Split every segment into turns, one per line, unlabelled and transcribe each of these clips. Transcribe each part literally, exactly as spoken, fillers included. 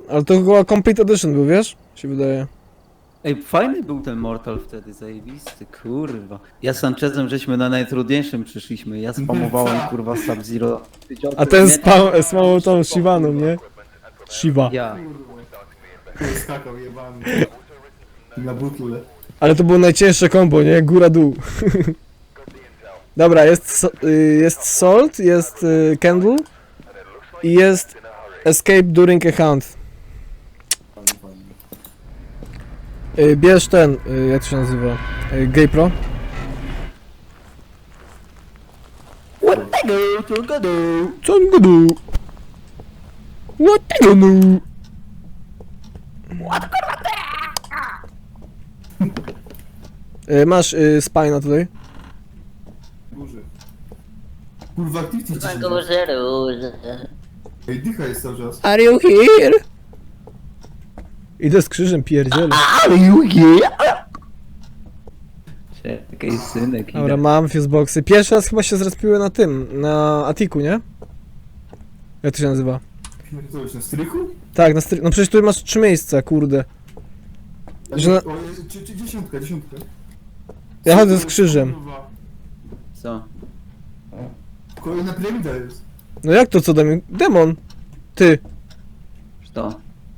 Ale to chyba Complete Edition był, wiesz? Się wydaje.
Ej, fajny był ten Mortal wtedy, zajebisty, kurwa. Ja z Sanchezem żeśmy na najtrudniejszym przyszliśmy, ja spamowałem kurwa Sub-Zero.
A ten spał, spał tą Shivaną, nie? Shiva.
Ja.
Kurwa, skakał jebany. Na butle.
Ale to było najcięższe kombo, nie? Góra-dół. Dobra, jest, so, y, jest Salt, jest y, Candle i jest Escape during a hunt. Y, bierz ten, y, jak to się nazywa? Y, GoPro.
What the go, to go do.
Co on gadu? What the gadu? Y, Masz y, spina tutaj.
Górze. Kurwa, activity
Na
dzisiaj.
górze róże.
Ej, dycha jest cały czas.
Are you here? Idę z krzyżem, pierdzielę.
Are you here? Czekaj, synek,
Dobra,
idę.
mam fuseboxy. Pierwszy raz chyba się zrespiły na tym, na Atiku, nie? Jak to się nazywa?
Co już na strychu?
Tak, na stry... No przecież tu masz trzy miejsca, kurde. Że na...
O, czy, czy, dziesiątka, dziesiątka.
Ja chodzę z krzyżem.
Kurwa.
Co?
Kolejna piramida jest.
No jak to co dam? Demon! Ty!
Co?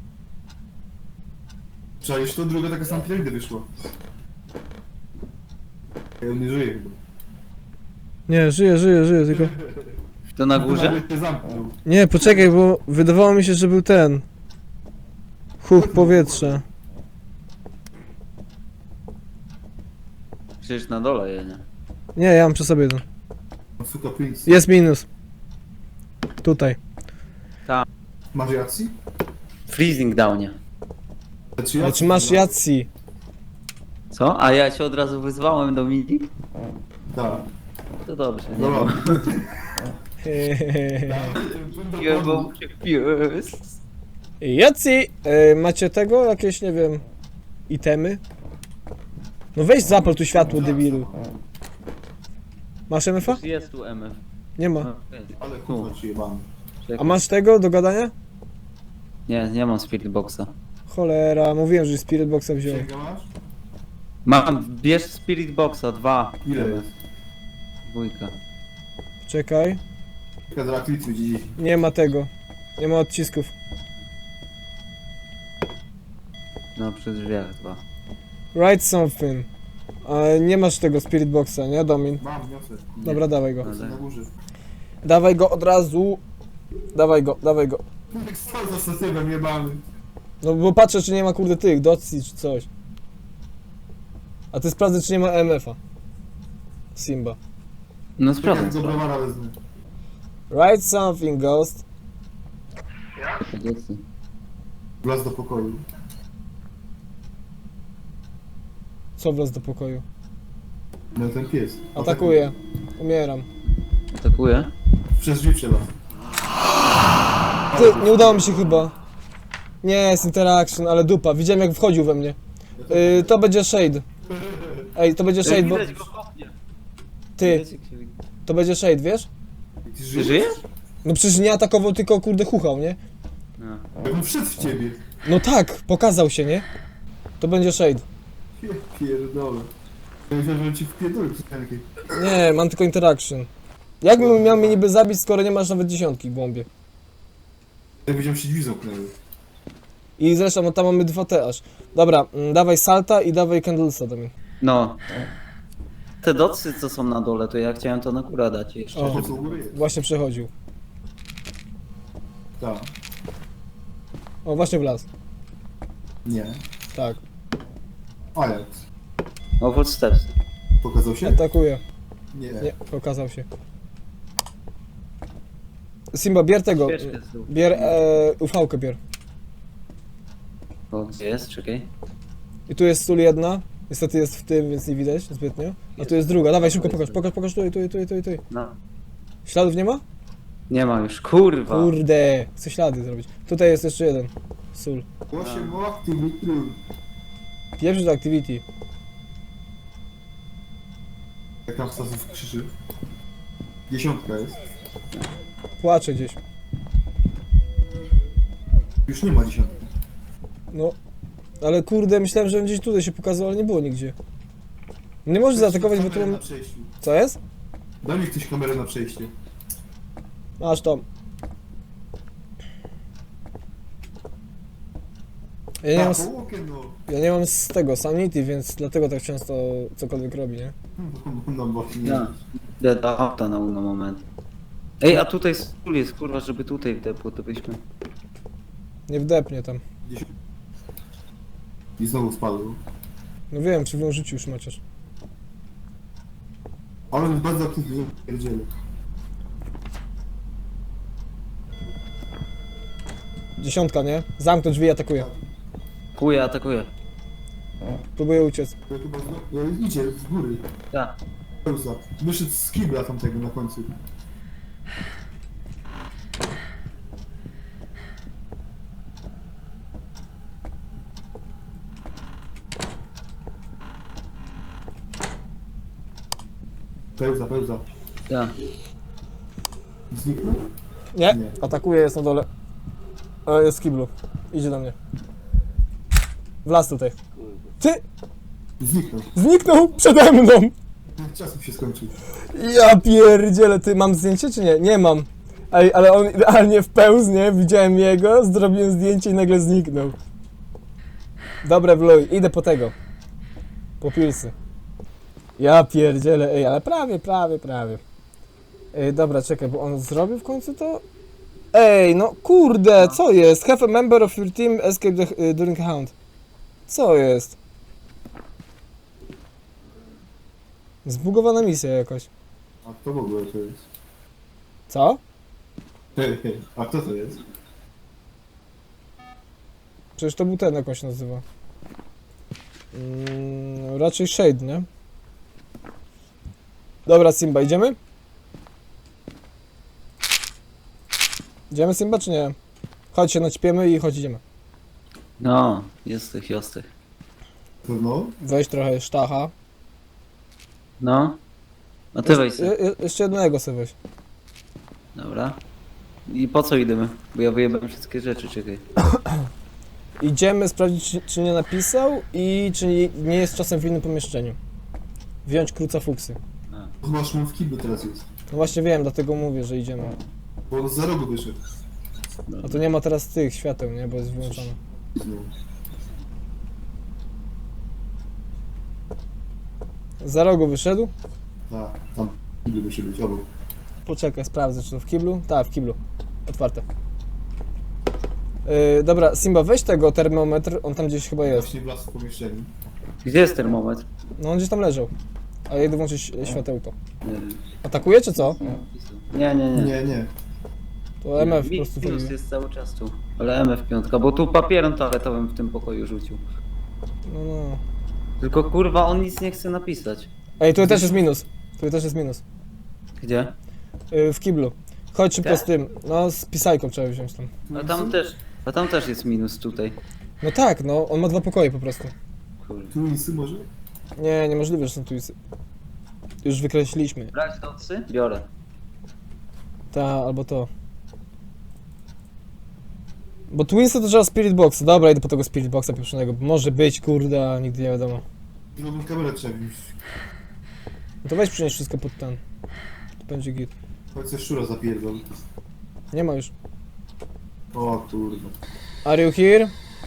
Czaisz to? Druga taka sama piramida wyszła. Ej, on nie żyje chyba.
Nie, żyję, żyję, żyję, tylko...
To na górze?
Nawet te zamknął.
Nie, poczekaj, bo wydawało mi się, że był ten... Huch powietrza.
Przecież na dole je, nie?
Nie, ja mam przy sobie to.
No, suka Prince.
Jest minus. Tutaj.
Masz jacji?
Freezing downie.
Znaczy,
Ale czy masz jacji?
Co? A ja się od razu wyzwałem do midi?
Tak.
To dobrze, nie?
Dobra.
Ja mam pies.
Jacji! E, macie tego? Jakieś, nie wiem... Itemy? No weź zapal tu światło, debilu. Masz M F A?
Jest tu M F.
Nie ma.
Ale kurwa, przyjebany.
A masz tego do gadania?
Nie, nie mam Spirit Boxa.
Cholera, mówiłem, że Spirit Boxa wziął.
Księga masz?
Mam, bierz Spirit Boxa, dwa.
Ile jest?
Dwójka.
Czekaj.
Jaka za activity będzie dziś?
Nie ma tego. Nie ma odcisków.
No przy drzwiach dwa.
Write something. A nie masz tego Spirit Boxa, nie, Domin?
Mam wniosek.
Dobra, dawaj go.
No,
Jestem na
tak.
górze.
Dawaj go od razu. Dawaj go, dawaj go.
Jak stał za statywem jebany.
No bo patrzę, czy nie ma kurde tych, docji czy coś. A ty sprawdzę, czy nie ma M F A. Simba.
No
Czekaj,
sprawdzę.
do browara wezmę.
Write something, ghost.
sprawdzę.
Wlazł do pokoju.
Co wlazł do pokoju?
No ten pies.
Atakuję. Umieram.
Atakuje?
Przez drzwi trzeba.
Ty, nie udało mi się chyba. Nie, jest interaction, ale dupa. Widziałem jak wchodził we mnie. Yy, to będzie shade. Ej, to będzie shade, bo...
Widać go kopnie.
Ty,
Widać, jak się widzi.
to będzie shade, wiesz?
Ty
Ty
żyjesz?
żyjesz?
No przecież nie atakował, tylko kurde chuchał, nie?
No.
Jak on wszedł w ciebie.
No tak, pokazał się, nie? To będzie shade.
Ja pierdolę. Ja myślałem, że ci wpierdolę przez rękę.
Nie, mam tylko interaction. Jakbym miał mnie niby zabić, skoro nie masz nawet dziesiątki w bombie?
Ja wiedziałem, że się drzwi zamknęły.
I zresztą, no tam mamy dwa te aż. Dobra, mm, dawaj Salta i dawaj Candlesa do mnie.
No. Te docy, co są na dole, to ja chciałem to na górę dać jeszcze.
O.
Po co u góry jest?
Właśnie przechodził.
Tak.
O, właśnie wlazł.
Nie.
Tak.
Ajax.
No footsteps.
Pokazał się?
Atakuje.
Nie.
Nie, pokazał się. Simba, bier tego.
Świeczkę z dół.
Bier e, U V-kę bier.
O, gdzie jest? Czekaj.
I tu jest sól jedna. Niestety jest w tym, więc nie widać zbytnio. A tu jest druga. Dawaj, szybko pokaż, pokaż, pokaż tutaj, tutaj, tutaj, tutaj.
No.
Śladów nie ma?
Nie ma już, kurwa.
Kurde, chcę ślady zrobić. Tutaj jest jeszcze jeden. Sól.
osiem activity.
Pierwszy do activity.
Jak tam Stasów krzyczy. Dziesiątka jest.
Płacze gdzieś.
Już nie ma dziesiątki.
No. Ale kurde, myślałem, że on gdzieś tutaj się pokazał, ale nie było nigdzie. Nie możesz zaatakować, bo tu
Kamerę
mam...
na przejściu.
Co jest?
Daj mi ktoś kamerę na przejście.
Masz tam. Ja nie, mam,
A,
s-
po okien, no.
ja nie mam z tego sanity, więc dlatego tak często cokolwiek robi, nie?
No bo nie.
Ja. Idę do auta na uno moment. Ej, a tutaj stół jest, kurwa, żeby tutaj wdepło, to byśmy...
Nie wdepnie tam.
Gdzieś... I znowu spadł.
No wiem, przy życiu już maciasz.
Ale jest bardzo aktywny, pierdziele.
Dziesiątka, nie? Zamknąć drzwi, atakuje.
Kuje, atakuje.
Próbuję uciec.
To chyba znowu... No, idzie z góry.
Tak.
Pełza. Wyszedł z kibla tamtego na końcu. Pełza, pełza.
Tak.
Zniknął?
Nie?
Nie.
Atakuje, jest na dole. O, jest w kiblu. Idzie do mnie. Wlazł tutaj. Ty!
Zniknął.
Zniknął przede mną!
Czas mi się skończył.
Ja pierdzielę, ty mam zdjęcie czy nie? Nie mam. Ej, ale on idealnie wpełzł, nie? Widziałem jego, zrobiłem zdjęcie i nagle zniknął. Dobra, Wluj, idę po tego. Po pilsy. Ja pierdzielę, ej, ale prawie, prawie, prawie. Ej, dobra, czekaj, bo on zrobił w końcu to? Ej, no kurde, co jest? Have a member of your team escape the, y, during a hunt. Co jest? Zbugowana misja jakoś.
A kto w ogóle to jest?
Co?
Hej, hej. A kto to jest?
Przecież to był ten, jak on się nazywa. Mm, raczej Shade, nie? Dobra, Simba, idziemy? Idziemy, Simba, czy nie? Chodź się naćpiemy i chodź, idziemy.
No, jesteś, jesteś.
Pewno?
Weź trochę sztacha.
No. A ty weź
Je,
se.
je, jeszcze jednego sobie weź.
Dobra. I po co idziemy? Bo ja wyjebałem wszystkie rzeczy, czekaj.
Idziemy sprawdzić, czy, czy nie napisał i czy nie, nie jest czasem w innym pomieszczeniu. Wziąć kruca fuksy.
Masz mu w kiblu teraz jest.
No właśnie wiem, dlatego mówię, że idziemy.
Bo on za rogu wyszedł.
A tu nie ma teraz tych świateł, nie? Bo jest wyłączone.
Znowu.
Za rogu wyszedł?
Tak, tam w kiblu musi być, obok.
Poczekaj, sprawdzę, czy to w kiblu? Tak, w kiblu. Otwarte. Yy, dobra, Simba, weź tego termometr, on tam gdzieś chyba jest.
Właśnie wlazł w pomieszczeniu.
Gdzie jest termometr?
No on gdzieś tam leżał. A ja idę włączyć światełko.
Nie wiem.
Atakuje, czy co?
Nie, nie, nie.
Nie, nie.
To M F po
Mi-
prostu
Minus
wchodzi.
jest cały czas tu. Ale M F piątka, bo tu papierem toaletowym w tym pokoju rzucił.
No, no.
Tylko kurwa on nic nie chce napisać.
Ej, tu też jest minus. Tu też jest minus.
Gdzie?
Yy, w kiblu. Chodź szybko
Tak?
z tym. No, z pisajką trzeba wziąć tam.
A tam też. A tam też jest minus tutaj.
No tak, no, on ma dwa pokoje po prostu.
Kurwa.
Tu nisy może?
Nie, niemożliwe, że są tu isy. Już wykreśliliśmy.
Brać docy? Biorę.
Ta, albo to. Bo Twinsy to trzeba Spirit Boxa. Dobra, idę po tego Spirit Boxa pieprzonego. Może być, kurde, a nigdy nie wiadomo.
Drugą kamerę trzeba wziąć.
No to weź przynieść wszystko pod ten. To będzie git.
Chodź se szczura zapierdol.
Nie ma już.
O kurwa.
Are you here?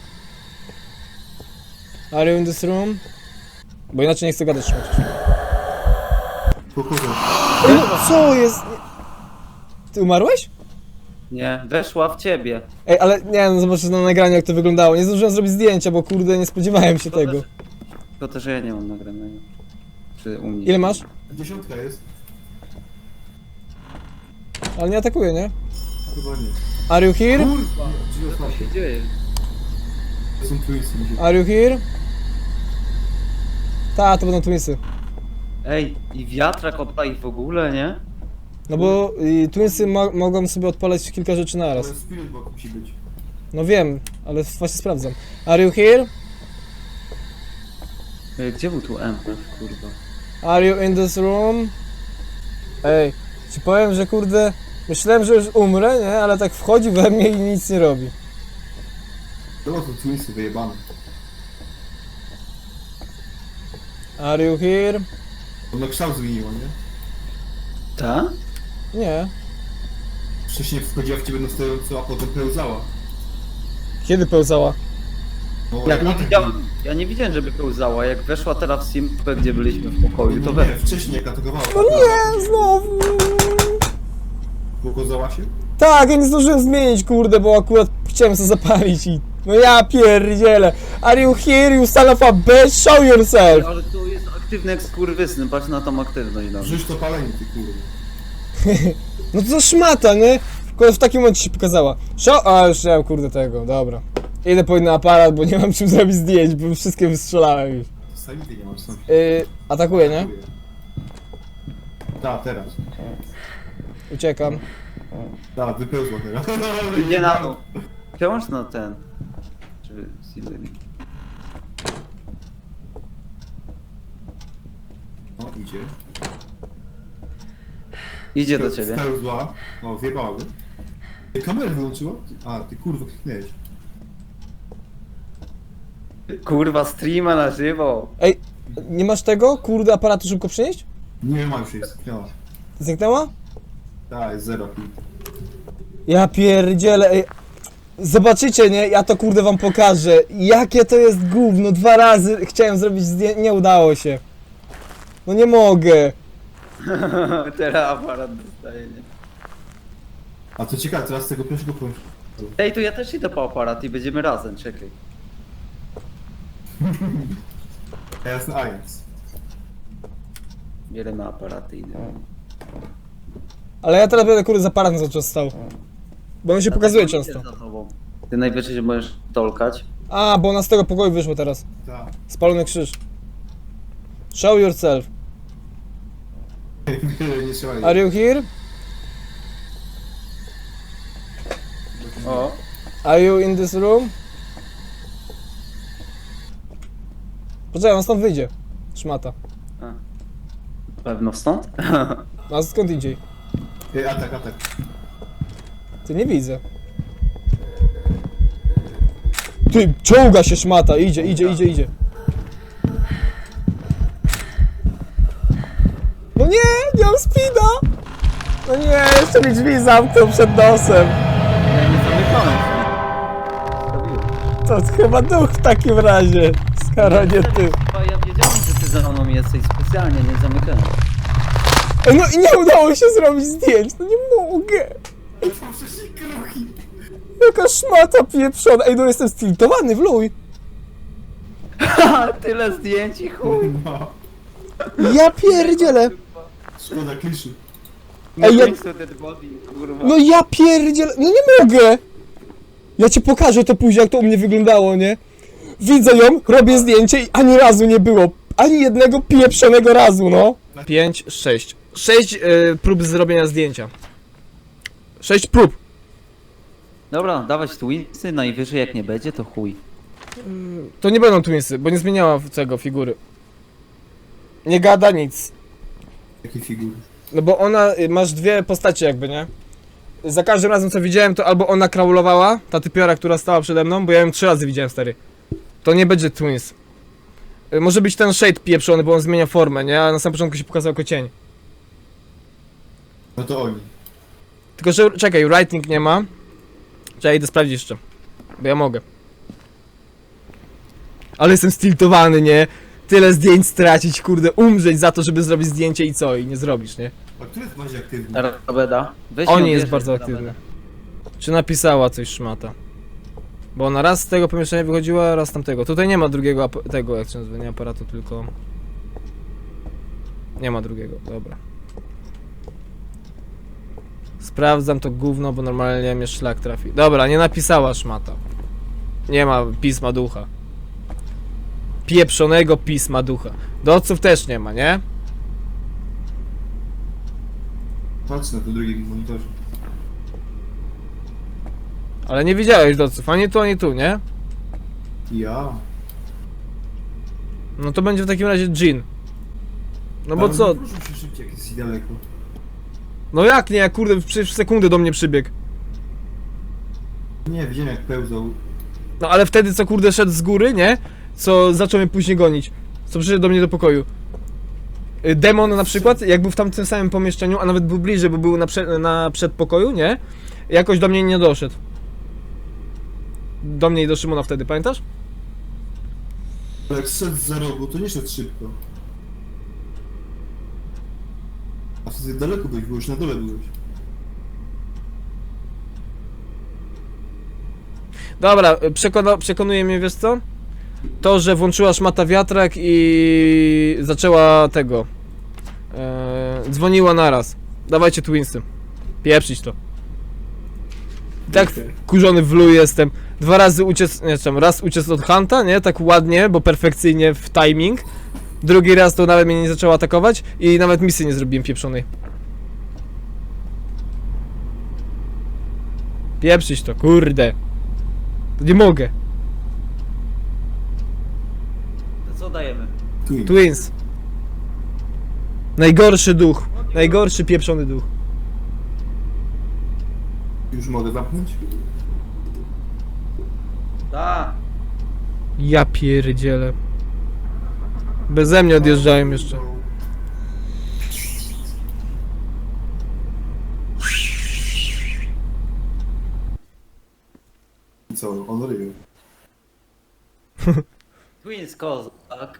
Are you in this room? Bo inaczej nie chcę gadać trzymać.
Pochodzę.
Ej, co jest? Nie- Ty umarłeś?
Nie, weszła w ciebie.
Ej, ale nie, no zobaczysz na nagraniu jak to wyglądało. Nie zdążyłem zrobić zdjęcia, bo kurde nie spodziewałem się tego.
Tylko też ja nie mam nagranego. Czy u mnie?
Ile masz?
Dziesiątka jest?
Ale nie atakuje, nie?
Chyba nie.
Are you here?
Kurwa! Drzwi
Co
otwarte.
się dzieje?
To są twinsy. mi się-
Are you here? Ta, to będą Twinsy.
Ej, i wiatrak odpali w ogóle, nie?
No bo y, Twinsy mo mogą sobie odpalać kilka rzeczy naraz.
Ale spirit box musi być.
No wiem, ale właśnie sprawdzam. Are you here?
Ej, gdzie był tu M F, kurwa?
Are you in this room? Ej, ci powiem, że kurde, myślałem, że już umrę, nie? Ale tak wchodzi we mnie i nic nie robi.
To są twinsy wyjebane.
Are you here?
Ono kształt zmieniło, nie?
Ta?
Nie.
Wcześniej wchodziła w ciebie na stojąco, a potem pełzała.
Kiedy pełzała?
No,
Jak nie
tak
widziałem,
było.
ja nie widziałem, żeby pełzała. Jak weszła teraz w simpę, gdzie byliśmy w pokoju, to
No
we...
nie, wcześniej jak atakowała.
No nie, znowu.
Pokazała się?
Tak, ja nie zdążyłem zmienić, kurde, bo akurat chciałem sobie zapalić i... No ja pierdzielę. Are you here, you son of a bitch? Show yourself!
Ale to jest aktywny jak skurwysny, patrz na tą aktywność. No.
Rzuć to palenie, ty kurwa.
No to za szmata, nie? Tylko w takim momencie się pokazała. Show... A, już nie mam, kurde, tego, dobra. Idę po inny aparat, bo nie mam czym zrobić zdjęć, bo wszystkie wystrzelałem już.
Sanity nie masz sam.
Yy, atakuję, nie?
Tak, teraz.
Uciekam.
Tak, wypełzła teraz.
Nie na to. Przełącz na ten. Czy Silvery.
No, idzie.
Idzie do ciebie.
Spełzła. O, wjebały. Ty kamerę wyłączyła? A, ty kurwa kliknęłeś.
Kurwa, streama na żywo.
Ej, nie masz tego? Kurde, aparatu szybko przynieść?
Nie ma już jej, zniknęła.
Zniknęła?
Tak, jest zero.
Ja pierdzielę, ej. Zobaczycie, nie? Ja to kurde wam pokażę. Jakie to jest gówno. Dwa razy chciałem zrobić zdjęcie, nie udało się. No nie mogę.
Teraz aparat dostaje, nie?
A co ciekawe, teraz z tego pierwszego punktu.
Ej, to ja też idę po aparat i będziemy razem, czekaj.
A ja jestem Ajax.
Bierzemy aparaty i idę.
Ale ja teraz będę kurde za aparatem cały czas stał. Bo on się pokazuje
Dlatego
często.
idę za tobą. Ty najwyżej się możesz tolkać.
A, bo ona z tego pokoju wyszło teraz.
Tak.
Spalony krzyż. Show yourself.
Nie trzeba jej.
Are you here?
O.
Are you in this room? Poczekaj, on stąd wyjdzie. Szmata.
A. Pewno stąd?
A skąd indziej?
Ej, atak, atak.
Ty nie widzę. Ty, czołga się szmata, idzie, idzie, idzie, idzie. No nie, nie mam speeda! No nie, jeszcze mi drzwi zamknął przed nosem.
Ja nie zamykałem się.
To chyba duch w takim razie, skoro nie ty.
Chyba ja wiedziałem, że ty za mną jesteś specjalnie, nie zamykałem.
Ej, no i nie udało się zrobić zdjęć, no nie mogę.
Już mam wcześniej kruki.
Jaka szmata pieprzona. Ej, no jestem stiltowany w luj.
Haha, tyle zdjęć i chuj.
No.
Ja pierdzielę.
Szkoda kliszy.
No
Ej, ja-
ja... dead body, kurwa.
No ja pierdzielę. No nie mogę. Ja ci pokażę to później, jak to u mnie wyglądało, nie? Widzę ją, robię zdjęcie i ani razu nie było. Ani jednego pieprzonego razu, no. Pięć, sześć. Sześć yy, prób zrobienia zdjęcia. Sześć prób.
Dobra, dawać twinsy, najwyżej jak nie będzie, to chuj.
To nie będą twinsy, bo nie zmieniała tego figury. Nie gada nic.
Jakie figury.
No bo ona, y, masz dwie postacie jakby, nie? Za każdym razem co widziałem, to albo ona kraulowała, ta typiora, która stała przede mną, bo ja ją trzy razy widziałem, stary. To nie będzie twins. Y, Może być ten shade pieprzony, bo on zmienia formę, nie? A na samym początku się pokazał jako cień.
No to oni.
Tylko, że czekaj, writing nie ma. Czekaj, idę sprawdzić jeszcze. Bo ja mogę. Ale jestem stiltowany, nie? Tyle zdjęć stracić, kurde, umrzeć za to, żeby zrobić zdjęcie i co? I nie zrobisz, nie?
A który jest bardziej aktywny?
Rabeda. Weź
On
ją,
jest
bierz,
bardzo
Rabeda.
aktywny. Czy napisała coś szmata? Bo ona raz z tego pomieszczenia wychodziła, raz z tamtego. Tutaj nie ma drugiego ap- tego, jak się nazywa, nie aparatu, tylko... Nie ma drugiego, dobra. Sprawdzam to gówno, bo normalnie mnie szlak trafi. Dobra, nie napisała szmata. Nie ma pisma ducha. Pieprzonego pisma ducha. Doców też nie ma, nie?
Patrz na tym drugim monitorze.
Ale nie widziałeś doców, ani tu, ani tu, nie?
Ja.
No to będzie w takim razie Jin. No bo
Ale
co?
Proszę się szybciej, jak jest i daleko.
No jak nie, kurde, przecież w sekundę do mnie przybiegł.
Nie, widziałem jak pełzał.
No ale wtedy co kurde szedł z góry, nie? Co zaczął mnie później gonić. Co przyszedł do mnie do pokoju. Y, Demon na przykład, jak był w tamtym samym pomieszczeniu, a nawet był bliżej, bo był na, prze, na przedpokoju, nie? Jakoś do mnie nie doszedł. Do mnie i do Szymona wtedy, pamiętasz?
Bo jak szedł za rogu, to nie szedł szybko. A wtedy daleko byłeś, bo już na dole byłeś.
Dobra, przekona, przekonuje mnie, wiesz co? To, że włączyła szmata wiatrak i zaczęła tego. E, dzwoniła naraz. Dawajcie Twinsy. Pieprzyć to. Tak wkurzony w lu jestem. Dwa razy uciec, nie wiem, raz uciec od Hunta, nie? Tak ładnie, bo perfekcyjnie w timing. Drugi raz to nawet mnie nie zaczęła atakować i nawet misji nie zrobiłem pieprzonej. Pieprzyć to, kurde. To nie mogę.
To co dajemy?
Twin.
Twins. Najgorszy duch. Najgorszy pieprzony duch.
Już mogę zamknąć?
Tak.
Ja pierdzielę. Beze mnie odjeżdżają jeszcze.
I co? On ryje.
Twins Kozak. Tak?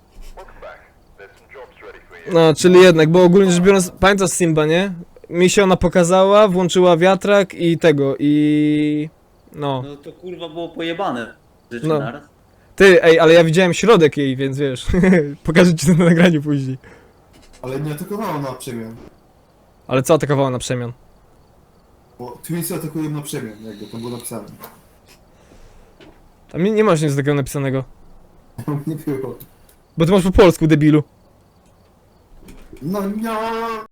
No, czyli jednak, bo ogólnie rzecz biorąc, pamiętasz Simba, nie? Mi się ona pokazała, włączyła wiatrak i tego, i... No.
No to kurwa było pojebane. Rzeczy
No.
naraz.
Ty, ej, ale ja widziałem środek jej, więc wiesz, pokażę ci to na nagraniu później.
Ale nie atakowało na przemian.
Ale co atakowała na przemian?
Bo Twinsy atakują na przemian, jakby to było napisane.
Tam nie, nie masz nic takiego napisanego.
Nie było.
Bo ty masz po polsku, debilu.
No nie.